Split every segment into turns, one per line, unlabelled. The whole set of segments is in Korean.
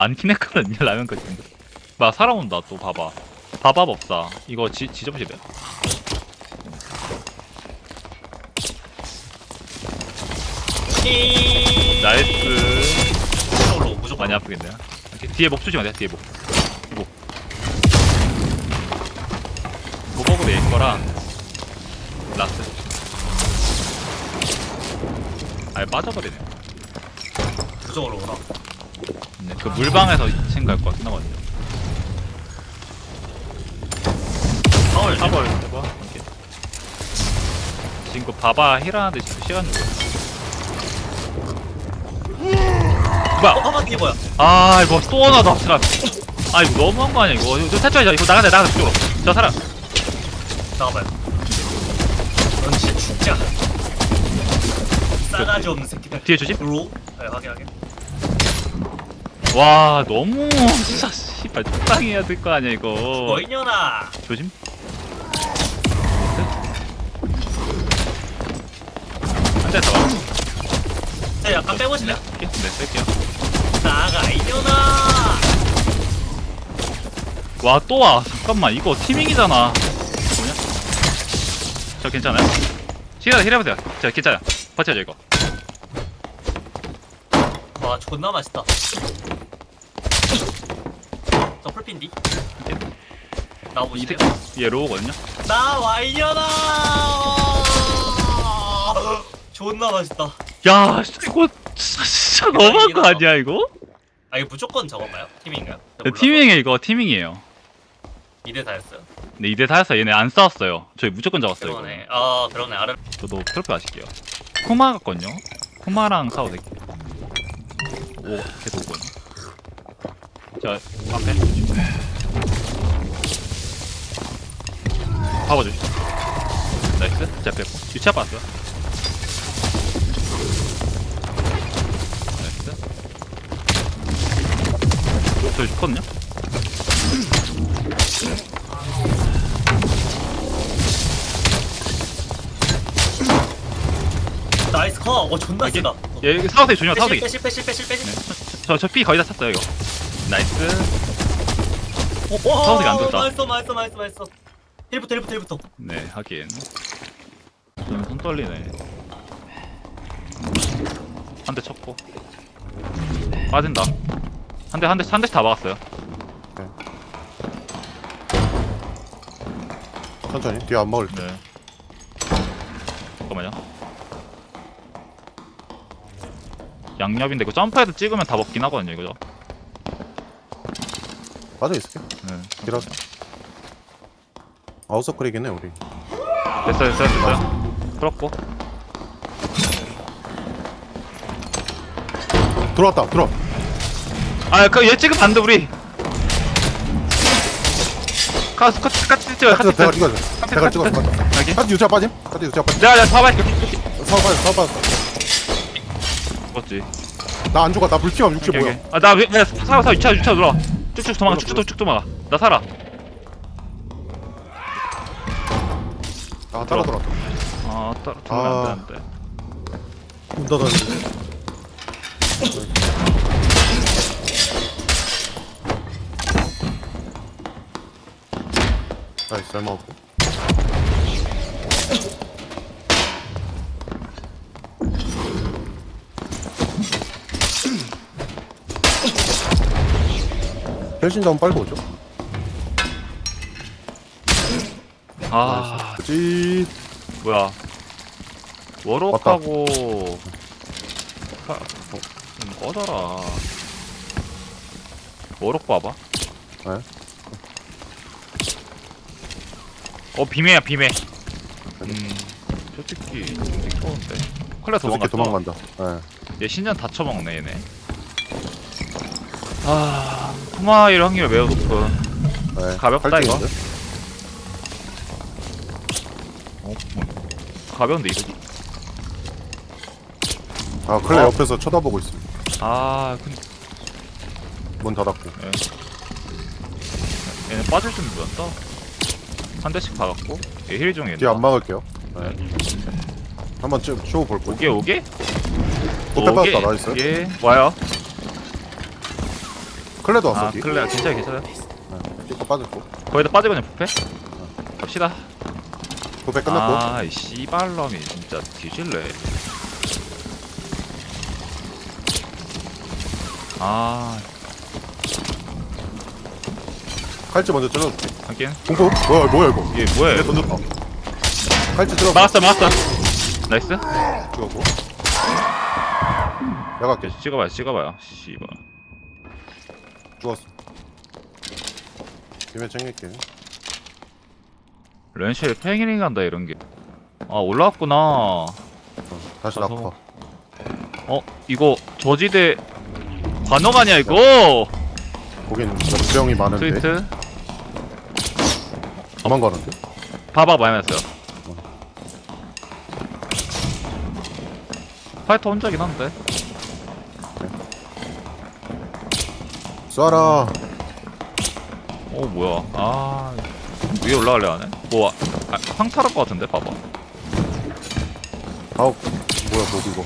안긴 했거든요 라면까지. 막 사람 온다 또 봐봐. 밥밥 없다. 이거 지점집이야. 나이스.
무조건로 무조건.
많이 아프겠네요. 이렇게 뒤에 목 조심하돼 뒤에 목. 목목으로 낼 거랑 라스. 아예 빠져버리네.
무조건로 오라.
네, 그 물방에서 2층 갈 것 같긴 하거든요.
파월.
파벌 해봐. 오케이. 지금 그 바바 힐하는데 지금 시간 주고. 뭐야?
봐봐 이게 뭐야?
아 이거 또 하나다 사람. 아 이거 너무한 거 아니야 이거. 이거 탈출하자. 이거 나가자 그쪽으로. 저 사람.
잠깐만. 넌 진짜 죽자. 싸가지 없는 새끼들.
뒤에 조심.
로? 네, 확인.
와 너무 진짜 씨발 적당히 해야 될 거 아니야 이거.
너 이년아.
조심. 한 대 더.
네, 약간 빼보실래요?
네 뺄게요.
나가 이년아.
와 또 와. 잠깐만 이거 티밍이잖아. 뭐냐? 저 괜찮아요? 시간 힐해보세요. 자 괜찮아요. 버텨줘 이거.
와 존나 맛있다. 저 풀핀디. 나오시래요?
얘 로우거든요.
나와 이년아. 존나 맛있다.
야 이거 진짜 너무한 거 아니야 이거?
아 이거 무조건 저건가요? 팀인가요?
네, 티밍이에요 이거 티밍이에요.
2대 다였어요.
네 2대 4였어. 얘네 안 싸웠어요. 저희 무조건 잡았어요. 이거.
그러네. 아 그러네. 아래.
저도 트로피 아실게요. 쿠마 같거든요. 쿠마랑 싸워도 될게요. 오 계속 오거든요. 자 앞에 봐봐주시. 나이스. 자 뺐고 유치아 봤어요. 나이스. 저 죽거든요.
나이스 커. 존나
여기?
세다.
얘 사우세이 조심하 사우세이.
빼실.
저 피 거의 다 찼어요 이거. 나이스.
와
사우세이가 안 좋다.
맛있어. 힐부터.
네 하긴. 좀 손 떨리네. 한 대 쳤고 빠진다. 한 대씩 다 막았어요.
천천히 뒤에 안 먹을 때.
네. 잠깐만요. 양옆인데 이거 점프해도 찍으면 다 먹긴 하거든요 이거죠.
빠져 있을게.
네.
길어서. 아웃서클이겠네 우리.
됐어요. 풀었고.
들어왔다. 들어.
아, 그 얘 찍으면 안 돼 우리. 카트 찍어요.
카트
카트
대가 찍어. 대가 찍어.
여기.
카트 유자 빠짐. 카트 유자 빠짐.
내가 봐봐.
사업 빠져.
죽었지.
나 안 죽어. 나 불피함 60 뭐야?
아나 살아 유차 들어와. 쭉쭉 도망가. 쭉 도망가. 나 살아.
아 따라 들어왔다.
아 들어가면 안 되는데.
문 닫았는데. 나이스 잘 먹었고. 혈신 다운 빨고 오죠.
아
그치.
뭐야. 워럭하고 좀 꺼져라. 워럭 봐봐.
네.
비매야 비매. 솔직히 좀 좋은데. 콜라
저 새끼
도망갔어.
도망간다. 네.
얘 신전 다 쳐먹네 얘네. 토마일 확률 매우 높은.
네.
가볍다, 이거.
팔찌인데?
뭐. 가벼운데 이거.
아 클레 옆에서 쳐다보고 있어.
근데
문 닫았고.
얘는 빠질 준비였다. 한 대씩 박았고. 얘 힐 중에.
뒤에 안 막을게요. 네. 한번 쇼 볼 거야.
오게?
또 빼봤다. 나이스.
예 와요.
클레도 왔어
아
뒤.
클레어 괜찮아요 괜찮아요.
삐까 빠졌고.
거기다 빠지거든요 부패. 갑시다.
도배 끝났고.
아이 씨발놈이 진짜 뒤질래. 아
칼집 먼저 찔러줄게.
하긴
공포? 뭐야 이거?
이게 뭐야?
얘 던졌다. 칼집 들어.
막았어 나이스.
죽었고. 내가 할게.
찍어봐요 씨발.
죽었어. 김에 챙길게.
렌쉘 팽이링 간다 이런 게. 아 올라왔구나.
다시
가서.
낙파.
이거 저지대 관역 아니야 이거?
거긴 역병이 많은데.
트위트
도망가는데?
봐봐 많이 났어요. 파이터 혼자긴 한데.
쏴라.
뭐야? 아 위에 올라갈래 하네? 뭐 황탈할 것 같은데 봐봐.
아우 뭐야 뭐 이거.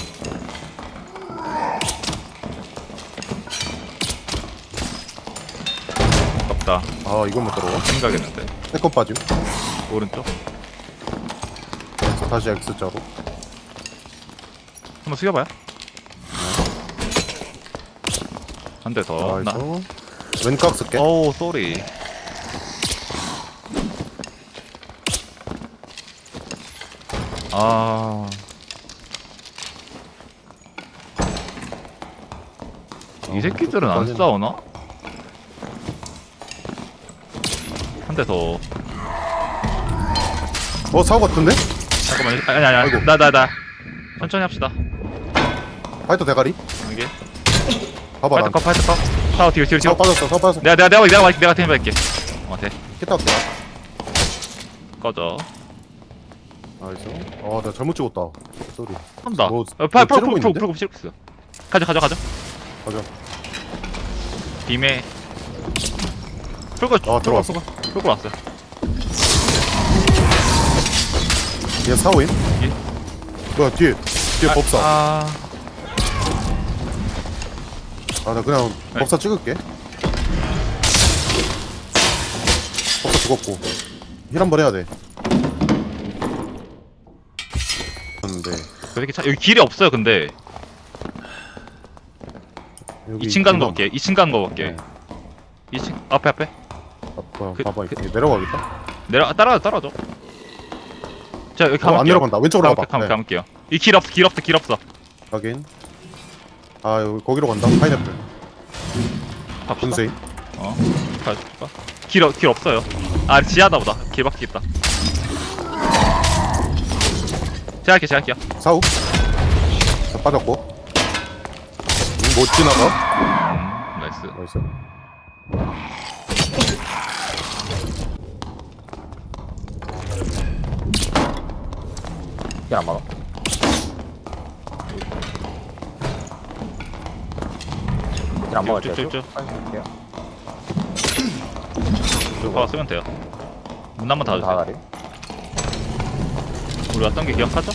없다.
아 이건 못 들어가.
생각했는데.
세컨 빠짐.
오른쪽.
다시 X자로.
한번 숙여봐요. 한 대 더. 나.
나이스. 왼각 쓸게.
어우 쏘리. 이 새끼들은 안 싸우나? 한 대 더.
사고 같은데?
잠깐만. 아니
아이고.
나 천천히 합시다.
파이터 대가리.
이게
봐봐 난.
파이터 컷. 사우 뒤로
사고 빠졌어. 사고 빠졌어.
내가 팀 할게. 돼.
키타 왔다.
꺼져.
나이스. 내가 잘못 찍었다. 쏘리.
한다.
뭐,
풀고
찌르고 있는데?
있어. 가져.
가자.
빔에 풀고
들어왔어.
풀고 왔어.
얘 사오임?
예?
뭐야 뒤에 법사. 나 그냥
네.
법사 찍을게. 법사 죽었고. 힐 한 번 해야 돼. 근데
그 새끼 여기 길이 없어요 근데.
여기
2층 가는 거
이거-
볼게. 2층 가는 거 볼게.
네.
2층 앞에.
뭐야,
그-
봐봐
그-
이거 내려가겠다.
따라줘. 자 여기 가볼게요.
안 내려간다. 왼쪽으로 가봐. 네.
가볼게요. 이 길 없어.
확인. 여기 거기로 간다. 파인애플.
갑시다.
분쇄.
가줄까? 길 없어요. 지하다 보다. 길 밖에 있다. 제가 할게요.
사우. 자, 빠졌고. 못 지나가.
나이스.
나이스.
안 막아. 안 막을게요.
쭉.
할게요.
봐 쓰면 돼요. 문 한번 닫아주세요.
다가리.
우리 왔던 게 기억하죠?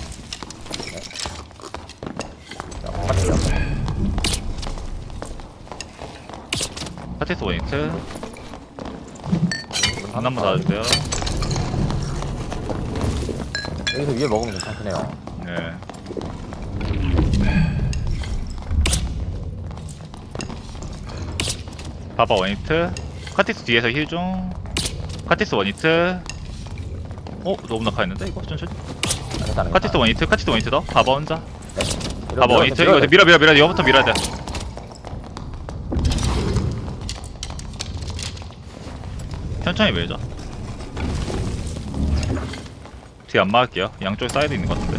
할게요.
파티스 원히트. 문 한번 닫아주세요.
여기서 위에 먹으면 괜찮긴 해요.
네. 바바 원히트. 카티스 뒤에서 힐 중. 카티스 원히트. 너무 낙하했는데 이거 천천히.
괜찮아요.
카티스 원히트 더. 바바 혼자.
네.
바바 원히트. 이거 밀어. 이거부터 밀어야 돼. 천천히 밀죠. 뒤에 안 막을게요. 양쪽 사이드 있는 것 같은데.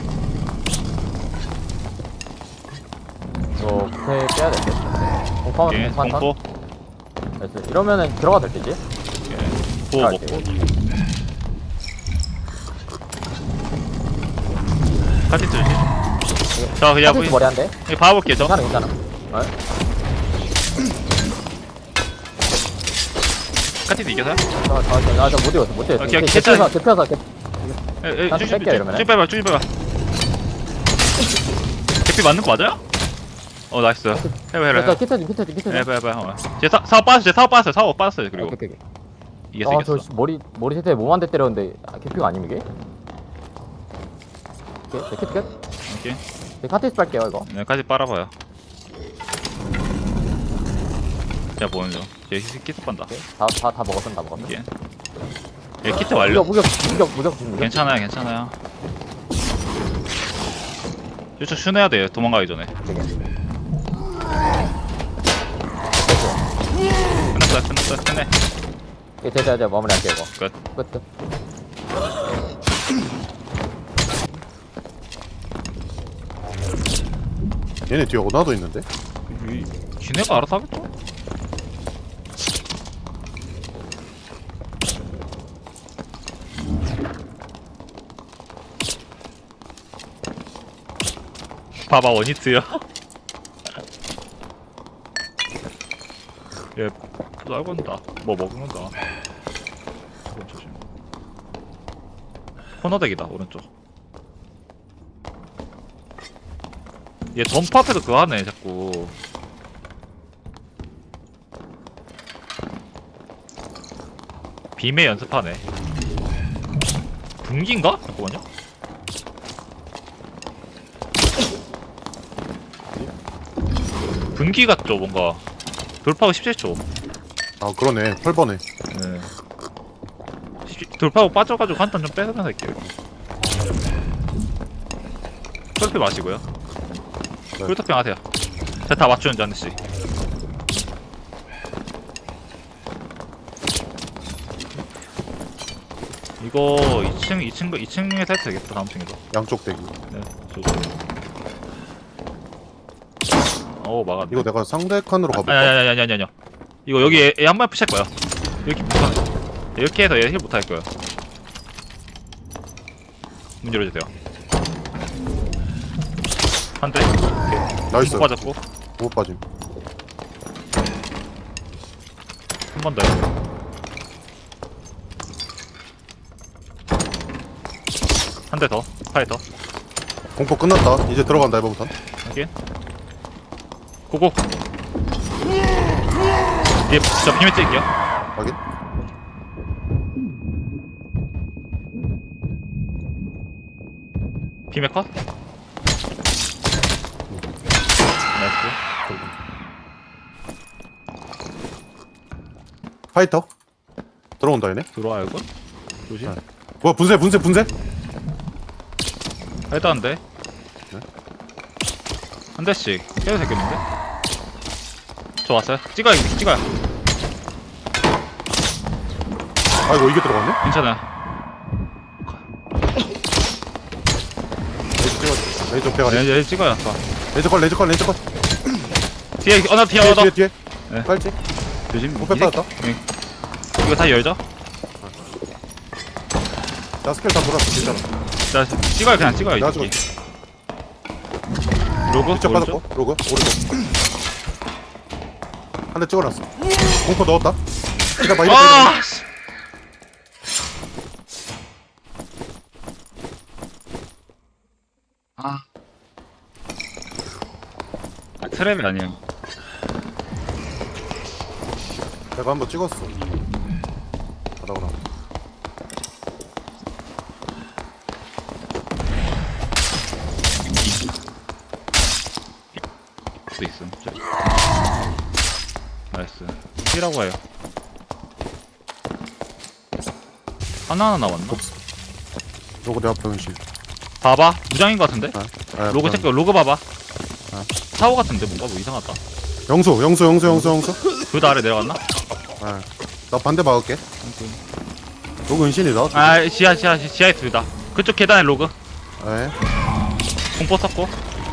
이거 부패 빼야 될 듯. 공포하면
예, 공포.
나이스. 이러면은 들어가도 될 테지?
예, 보호
들어갈게요.
먹고. 카티스 조심. 저 그냥
카티스 머리 한 대?
봐볼게요. 저
괜찮아. 네.
카티스 이겨서요?
못 이겼어.
오케이,
개피어서 다시
쭉
뺄게요, 이러면은.
빼봐. 개피 맞는 거 맞아요? 나이스. 해봐.
자, 키트지.
해봐. 제 사업 빠졌어요. 사업 빠졌어요. 그리고
오케이.
이겼어.
아, 저 머리 세트에 몸 한 대 때렸는데 캐피가 아님 이게? 오케이, 네, 키트 끝.
오케이.
네, 카트리스 빨게요 이거.
여기까지 빨아봐요. 제가 보는 중. 제 키트 빤다.
오케이. 다 먹었어.
오케이. 예, 키트 완료.
무적.
괜찮아요. 이쪽 슈내야 돼요. 도망가기 전에. 끝났어. 끝내.
예, 제가 마무리할게요 이거.
끝.
끝.
얘네 뒤에 오나도 있는데?
지네가 알아서 하겠죠? 봐봐 원히트요. 얘 쌀건다. 뭐 먹는다. 조심. 코너덱이다 오른쪽. 얘 덤프 앞에서 그거 하네 자꾸. 빔의 연습하네. 분기인가? 잠깐만요. 분기 같죠 뭔가. 돌파하고 17초.
아 그러네 8번에
네. 돌파하고 빠져가지고 한탄 좀 뺏으면서 할게요. 솔피 마시고요.
네.
풀토핑 하세요. 제가 다 맞추는지 한 대씩. 이거 2층에서 해도 되겠다. 다음 층에서.
양쪽 대기.
네, 저도. 막았네.
이거 내가 상대 칸으로 가볼까?
아니야. 이거 여기 얘 한 번 푸실 거야. 이렇게 못하네. 이렇게 해서 얘 힐 못할 거야. 문 열어주세요. 한 대.
나이스.
못 빠졌고.
못 빠짐.
한 번 더요. 한 대 더. 파이터.
공포 끝났다. 이제 들어간다 이번부터.
오케이. 고고. 얘, 저 비밀 찍을게요.
확인.
비밀 컷. 나이스.
파이터. 들어온다 얘네.
들어와 이거. 조심.
네. 뭐야 분쇄.
해도 안 돼.
네?
한 대씩 깨도 되겠는데? 저 왔어요. 찍어요.
아이고 이게 들어갔네?
괜찮아요.
레이저 빼가리.
얘 찍어요. 아까.
레이저 컬.
뒤에 나 뒤에
뒤에.
네.
빨지.
조심.
목표 빠졌다.
네. 이거 다 열죠?
나 스킬 다 돌았어. 괜찮아.
자 찍어요. 그냥 찍어요.
내가
이렇게. 로고
이쪽 빠졌고. 로그 오른쪽. 한 대 찍어놨어. 공포 넣었다. 기다봐 이거.
아! 씨. 트랩이 아니야.
내가 한번 찍었어. 가다오라.
또 있음. 나이스. C라고 해요. 하나 남았나?
로그 내 앞에 은실.
봐봐. 무장인 것 같은데? 로고
아,
체크. 로고 봐봐. 사고 같은데 뭔가 뭐 이상하다.
영수.
둘 다 아래 내려갔나?
아, 나 반대 막을게. 로그 은신이다.
아 지하에 둘다. 그쪽 계단에 로그.
네.
공포 썼고.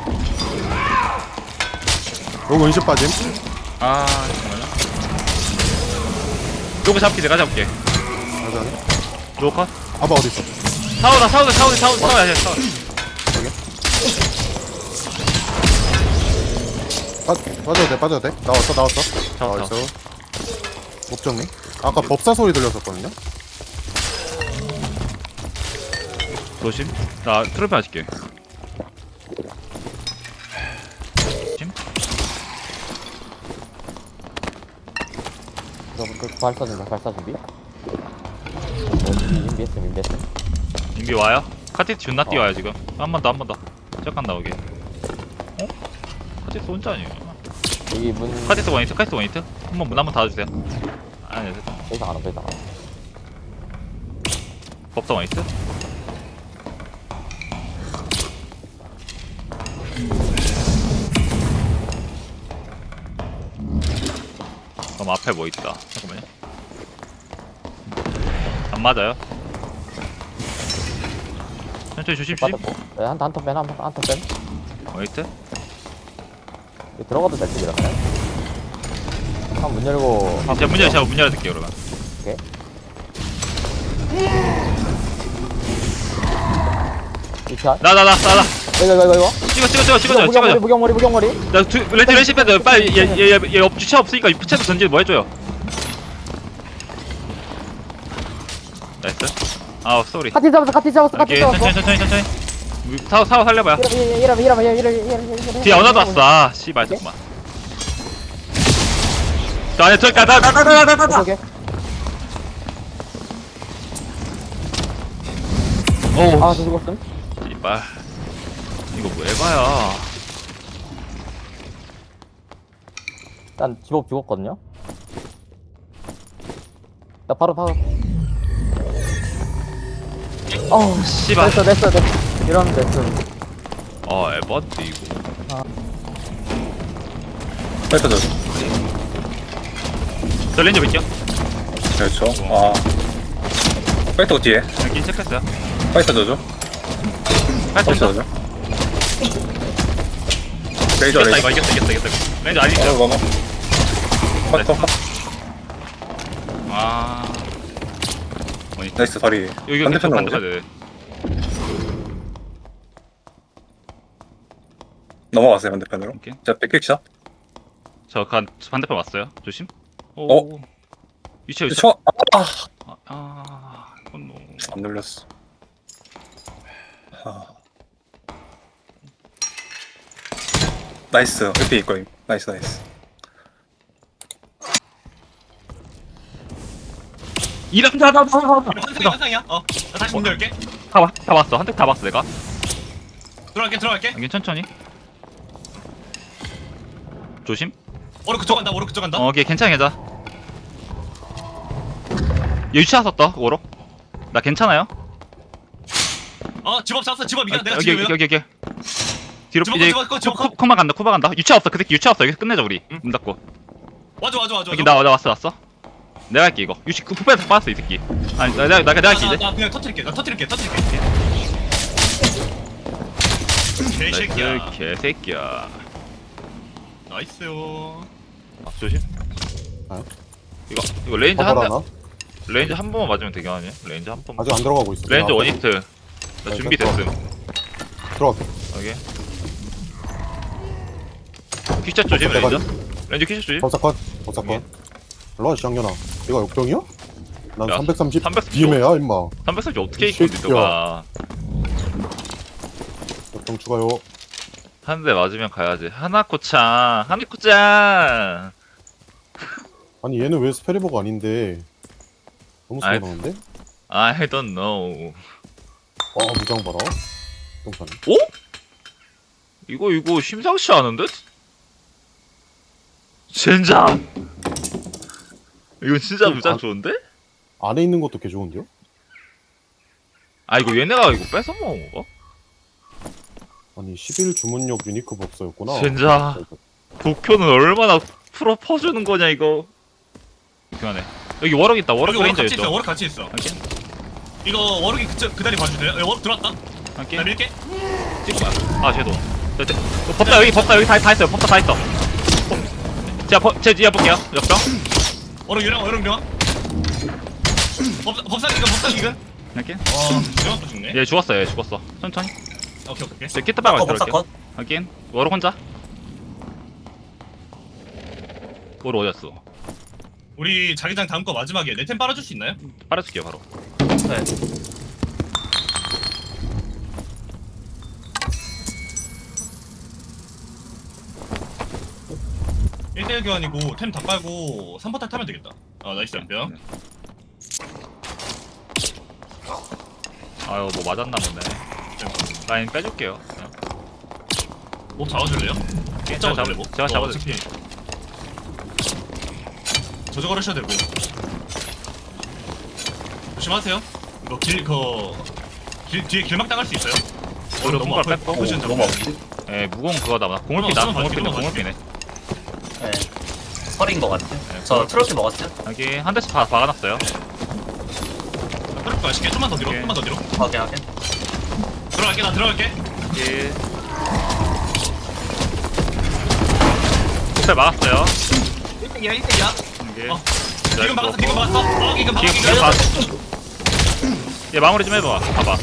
로그 은신 빠짐.
아 정말요? 로그 잡기 내가 잡게.
맞아.
로그 컷.
아바 어디 있어?
사오야 돼.
빠져도 돼. 나왔어.
잡았다.
나왔어. 목정리. 아까 법사 소리 들렸었거든요.
조심. 나 트로피 맞을게. 조심.
저부터 발사 준비, 발사 준비. 인비했음.
인비 와요? 카티스 존나 뛰어요 지금. 한 번 더 한 번 더. 잠깐 나오게. 어? 카티스 혼자 아니에요?
여기 문.
카티스 원히트 카티스 원히트. 한번 문 한번 닫아주세요. 아니요 됐다.
더 이상 안 와, 더 이상 안 와.
법사 원히트. 그럼 앞에 뭐 있다. 잠깐만요. 안 맞아요. 천천히 조심.
빠졌고. 네, 한턴 뺀.
원히트.
여기 들어가도 될 듯, 이러면. 문 열고.
제가 문 열어둘게요 그러면.
오케이. 이차.
나.
이거.
찍어줘.
무경머리.
나 렌시 밴드 빨리 얘 주차 없으니까 부채도 던지 뭐 해줘요. 나이스. 아우 쏘리.
카티 잡았어.
오케이 천천히. 사워 살려봐요.
이러면.
뒤에 언어도 왔어. 아, 씨발 잠깐만. 저 안에 저기 나.
오케이.
오.
아, 저 죽었음.
씨발. 이거 뭐 에바야.
일단 집업 죽었거든요. 나 바로. 어우,
씨발.
됐어. 이러면 됐음.
에바인데 이거.
파이터 저죠.
저 렌즈 볼게요.
그렇죠. 아. 파이터 뒤에.
여기 체크했어요.
파이터 저죠. 파이터 저죠. 레이저
이겼다
레이저.
이겼다. 렌즈 아니죠?
넘어. 파이터.
아. 뭐니?
나이스 다리.
여기
반대편으로 오지?
반대편.
넘어갔어요 반대편으로.
오케이.
자 백킥샷.
저 반대편 왔어요. 조심. 오. 위치.
저.
이건 뭐.
안 눌렸어. 나이스. 옆에 있거임. 나이스.
이런
환상이야. 나 다시 문 열게.
다 봤어. 한 대 다 봤어 내가.
들어갈게.
여긴 천천히. 조심.
오른 그쪽 간다.
오케이 괜찮아. 얘 유치아 썼다 오로. 나 괜찮아요?
집업 잡았어. 집업 이겨. 내가
여기.
지금.
뒤로
집어,
이제
집어, 집어, 집어.
코마 간다. 유치아 없어. 그 새끼 유치아 없어. 여기서 끝내자 우리.
응.
문 닫고.
와줘.
여기 나 왔어. 내가 할게 이거. 유치 그 푸페에서 빠졌어 이 새끼. 아니 내가 할게 이제.
나 그냥 터뜨릴게. 개새끼야.
나이스 개새끼야.
나이스요.
조심.
아?
이거 레인지 한
커버라나?
레인지 한 번만 맞으면 되게 아니야? 레인지 한 번만.
아직 안 들어가고 있어.
레인지
아,
원히트. 나
네,
준비됐음.
들어갈게.
오케이. 퀴샷 조심
내가
레인지. 레인지 퀴샷 조심.
법사컷.
오케이.
일로와 쌍년아. 얘가 역병이야? 난
야,
330
330
BM이야 임마.
330 어떻게
이
이기고
새끼야.
너가.
역병 추가요.
한 대 맞으면 가야지. 하나코짱.
아니 얘는 왜 스페리버가 아닌데? 너무
아이.
서운한데?
I don't know.
무장 봐라. 똥산.
오? 이거 심상치 않은데? 젠장. 이거 진짜
좀
무장
안-
좋은데?
안에 있는 것도 개 좋은데요?
아 이거 얘네가 이거 뺏어 먹은 건가?
아니 11 주문력 유니크 법사였구나.
젠장. 도쿄는 얼마나 풀어 퍼주는 거냐 이거. 그만해. 여기 워럭 있다. 워럭 레인저 있죠.
워럭 같이 있어.
할게.
이거 워럭이 그 다리 봐주세요. 워럭 들어왔다.
할게.
나 밀게.
찍고 봐. 아 쟤도. 법사 여기 다 있어요. 법사 다 있어. 제 뒤에 볼게요. 역병.
워럭 유령. 법사 이근.
할게.
유령도 죽네.
얘 죽었어. 천천히.
오케이.
제 키트 빨고
법사
들어올게요.
컷.
하긴 워럭 혼자. 워럭 어디였어?
우리 자기장 다음 거 마지막에 내 템 빨아줄 수 있나요?
빨아줄게요 바로.
네. (1대1) 교환이고 템 다 빨고 3포탈 타면 되겠다. 나이스 연병.
아유 뭐 맞았나 보네. 라인 빼줄게요. 그냥.
목 잡아줄래요?
제가
잡아줄래 목?
제가 잡아줄게요.
저저거 하셔도 되고. 조심하세요. 이거 뒤에 길막 당할 수 있어요.
오히려
너무
손가락
아파.
뺐고.
포지션
너무
잡고.
아픈데?
예 무거운 그거다. 공울피다.
한번
공울피네.
봐줄게,
공울피네.
네. 설인 것 같아.
네,
저 트로피 먹었어요?
여기 한 대씩 다 박아놨어요.
그럴 거야. 쉽게 좀만 더 뒤로.
오케이.
좀만 더 뒤로.
확인하게.
들어갈게. 나 들어갈게.
여기 호텔 막았어요.
1등이야 1등이야.
여기
지금 막았어. 지금 막았어. 지금 막았어.
지금 봐. 얘 마무리 좀 해봐. 봐봐.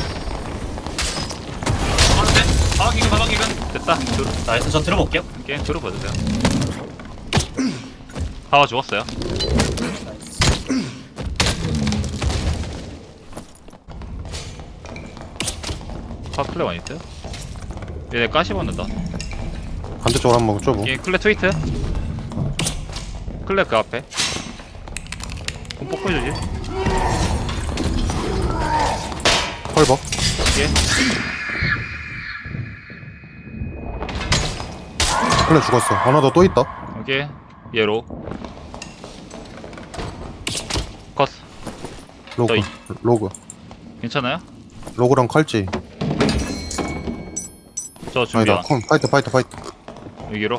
막았는데? 막이근.
됐다.
나이스. 저 들어볼게요.
이렇게 들어봐주세요. 파워 죽었어요. 파 클레 많이 있어요? 얘네 가시 받는다.
반대쪽으로 한번 좁어.
얘 클레 트위트. 클레 그 앞에. 공 뽀뽀해주지.
펄버.
얘.
클레 죽었어. 하나 더 또 있다.
여기 얘로. 컷.
로그.
또
로그.
괜찮아요?
로그랑 칼찌.
저 준비
아니다.
안.
컴. 파이트.
여기로.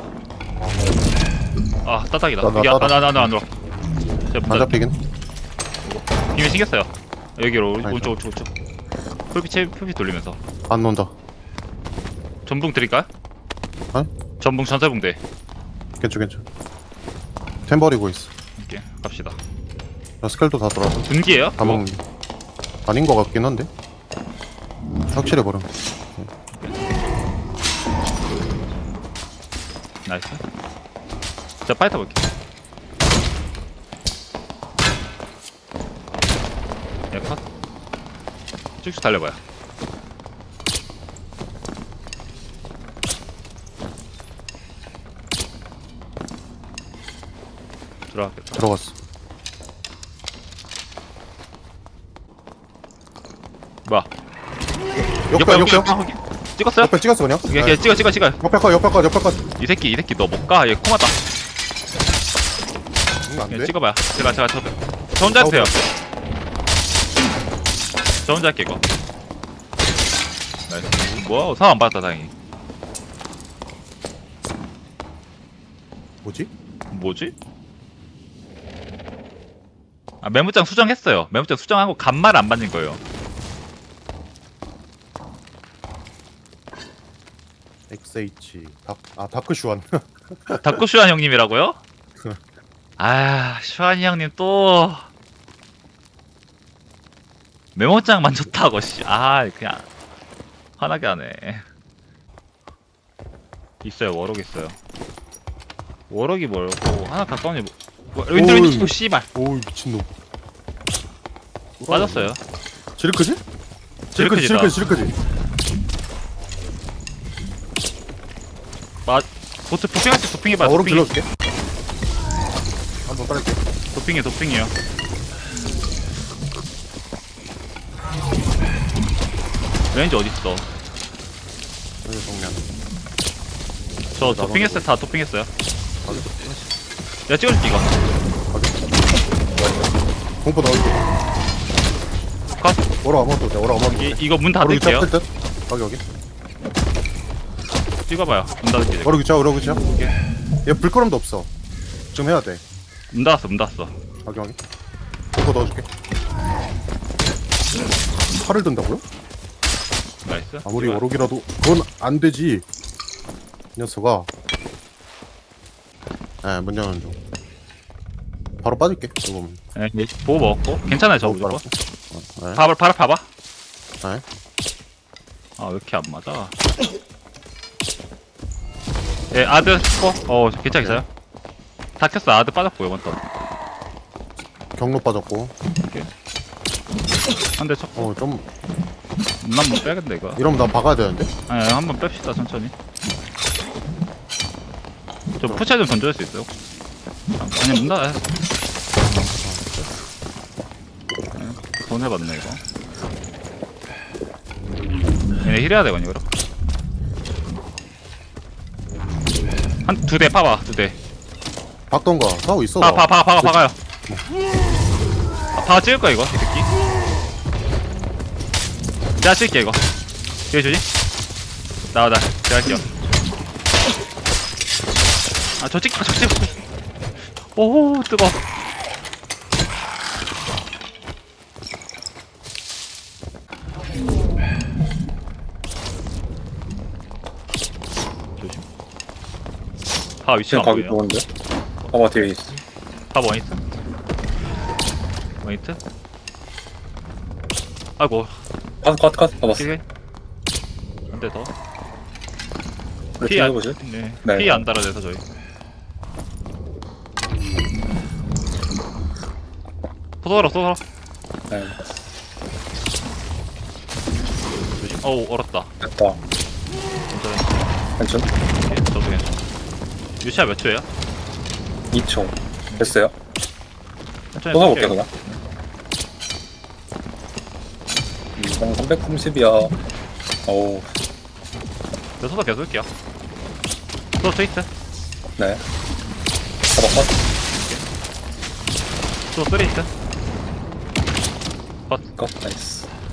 아 따닥이다.
나
여기
따닥.
나안 들어. 제가
안 잡히긴.
비밀 생겼어요. 여기로
아니다.
우측. 풀빛 돌리면서.
안 논다.
전붕 드릴까요?
어?
전붕 전사붕대.
괜찮. 템 버리고 있어.
이렇게 갑시다.
나 스켈도 다 돌아서.
분기예요?
다 먹는 게. 아닌 거 같긴 한데. 확실해 버려.
나이스. 자 파이터 볼게. 야 컷. 쭉쭉 달려봐요. 들어가겠다.
들어갔어.
뭐야?
옆에.
찍었어요?
옆에 찍었어 그냥.
오케이 찍어.
옆에 거.
이 새끼 너 못 가. 얘 코마다.
안
그냥
돼.
찍어봐요. 제가 저 혼자 해주세요. 저 혼자 할게 이거. 나이스. 뭐야? 상황 안 받았다 다행히. 뭐지? 아 메모장 수정했어요. 메모장 수정하고 간말 안 받는 거예요.
XH 다크 슈완.
닥코 슈안 형님이라고요? 아 슈안이 형님 또 메모장만 줬다고 씨. 아 그냥 화나게 하네. 있어요. 워럭 있어요. 워럭이 뭐고 하나 가까운 애 윈드 치고 씨발
오이 미친놈.
빠졌어요.
지르크지?
지르크지다.
지르크지.
보트 도핑할 때 도핑해봐.
오른 질러줄게. 한번 빨게.
도핑이에요. 레인지 어딨어?
여기 정면.
저 도핑했어요. 다 도핑했어요. 내가 찍어줄게 이거.
공포 넣을게.
컷.
오라 아무것도 돼. 오라 아무것도 돼.
이거 문
오라
닫을게요.
뜰 듯. 여기.
찍어봐요. 문 닫을게.
오라 그쵸. 얘 불끄럼도 없어. 지금 해야 돼.
문 닫았어.
여기. 공포 넣어줄게. 칼을 든다고요?
나이스.
아무리
찍어요.
오록이라도 그건 안 되지. 이 녀석아. 네, 문 여는 중. 바로 빠질게. 이거 보면.
네, 보고 먹었고. 괜찮아요, 저
바로
무조건.
네.
바로 봐봐.
네.
아, 왜 이렇게 안 맞아? 예, 아드 스코. 괜찮겠어요? 다 켰어. 아드 빠졌고, 이번 또.
경로 빠졌고.
한 대 쳤고.
좀
문 한번 빼야겠네, 이거.
이러면 나 박아야 되는데.
아니, 한번 뺍시다, 천천히. 저 푸차 좀 던져줄 수 있어요? 아니, 문 닫아. 손해봤네 이거. 얘네 힐해야 되거든요 그럼. 한 2대 파봐 2대.
박던가 싸우고 있어.
박아요. 파 찍을 거야 이거 이 새끼. 내가 찍을게 이거. 뒤에 주지? 나와 제가 할게요. 저 찍. 오 뜨거. 조심. 파 위치가
지금
안
가기
보여요.
좋은데? 봐봐 뒤에 있어.
파 원히트. 원히트. 아이고.
컷 잡았어.
킬게. 한대 더.
우리
피
팀
안,
해보지.
네.
네.
피 안 달아내서 저희. 쏘더라.
네.
조심. 어우 얼었다.
됐다.
괜찮아.
괜찮?
오케이, 저도 괜찮아. 유시야 몇 초예요?
2초. 됐어요?
천천히
또 사볼게
쏠게요.
그냥. 330이야. 어우.
저 쏘다 계속 올게요. 또 트위트.
네. 봐봐 컷.
또 쓰리히트.
컷. 나이스.